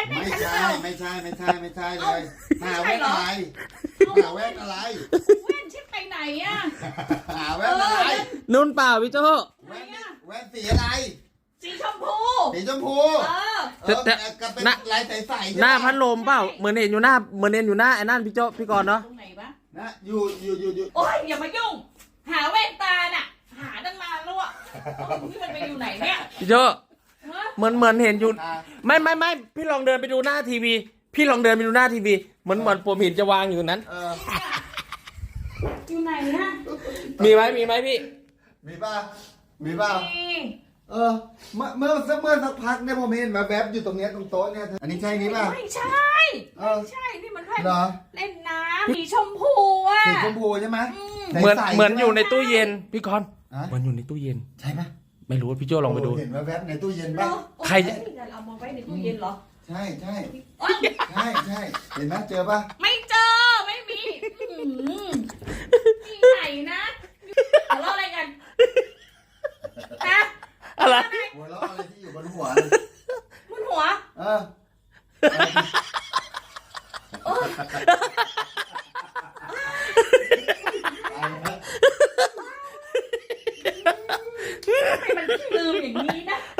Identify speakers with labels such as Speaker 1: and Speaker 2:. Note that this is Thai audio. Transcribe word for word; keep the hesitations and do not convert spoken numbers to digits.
Speaker 1: ไม่
Speaker 2: ใช่
Speaker 1: ใช่
Speaker 2: หรือเปล่า
Speaker 1: ไม่ใช่ไม่ใช่ไม่ใช่เลย
Speaker 2: เอ้า
Speaker 1: หา
Speaker 2: ไม่
Speaker 1: แว่น
Speaker 2: ใช่เหรอ
Speaker 1: อะไรหาแว่นอะไร
Speaker 2: แว่นชิดไปไหนอ่ะ
Speaker 1: หาแว่นอะไร
Speaker 3: นุ่นเปล่าพี่โจ
Speaker 2: ไหน
Speaker 1: แว่น
Speaker 2: อ่ะ
Speaker 1: แว่นสีอะไร
Speaker 2: สีชมพู
Speaker 1: สีชมพู
Speaker 2: เออ
Speaker 1: เออก็เป็นลายใสๆใช่
Speaker 3: หน้า
Speaker 1: ปะ
Speaker 3: พัดลมเปล่าเหมือนเห็นอยู่หน้าเหมือนเห็นอยู่หน้าไอ้นั่นพี่โจพี่กรณ์เนาะ
Speaker 2: ตรงไหนวะ
Speaker 1: นะอยู่อยู่อยู่อยู่
Speaker 2: โอ๊ยอย่ามายุ่ง หาแว่นตาน่ะ หาตั้งนานแล้วอ่ะเอ้านี่มันไปอยู่ไหนเนี่ย
Speaker 3: พี่โจ
Speaker 2: ฮะ
Speaker 3: เหมือนเหมือนเห็นอยู่
Speaker 1: อ่า
Speaker 3: ไม่ไม่ไม่พี่ลองเดินไปดูหน้าทีวี พี่ลองเดินไปดูหน้าทีวีเหมือนเหมือนผมเห็นจะวางอยู่นั้น
Speaker 1: เออ
Speaker 2: อยู่ไหนนะ
Speaker 3: มีไหมมีไหมพี่
Speaker 1: มีป่ะมีป่ะ
Speaker 2: นี่
Speaker 1: เออเมื่อเมื่อสักเมื่อสักพักเนี่ยผมเห็นมาแวบอยู่ตรงเนี้ยตรงโต๊ะเนี่ยอันนี้ใช่นี้ป่ะ
Speaker 2: ไม่ใช่
Speaker 1: เออ
Speaker 2: ไม่ใช่ นี่มันแว่น
Speaker 1: เหรอ
Speaker 2: เล่นน้ำสีชมพูอ่ะ
Speaker 1: สีชมพูใช่ไหม
Speaker 2: อืม
Speaker 1: ใสๆ
Speaker 3: เหมือน
Speaker 1: ใช่ปะ
Speaker 3: เหมือนอยู่ในตู้เย็นพี่กรณ์
Speaker 1: ฮะ
Speaker 3: เหมือนอยู่ในตู้เย็น
Speaker 1: ใช่ปะ
Speaker 3: ไม่รู้พี่โจลองไปดู
Speaker 1: เห็นมาแวบในตู้เย็น
Speaker 2: เหร
Speaker 1: ป่ะ
Speaker 2: อ
Speaker 3: ใครจะ
Speaker 2: โอ้ยเอามาไว้ในตู้เย็นเหรอ
Speaker 1: ใช่ใช่
Speaker 2: เอ้ย
Speaker 1: ใช่ใช่เห็นไหมเจอป่ะ
Speaker 2: ไม่เจอ ไม่มีอื้อหือมีไหนนะทะเลาะอะไรกันฮะ
Speaker 3: อะไร
Speaker 1: หัวเราะอะไรที่อยู่บนหัวเลย
Speaker 2: มุนหัว
Speaker 1: เออ
Speaker 2: โอ้ย
Speaker 1: เอาละ
Speaker 2: ทำไมมันลืมอย่างนี้นะ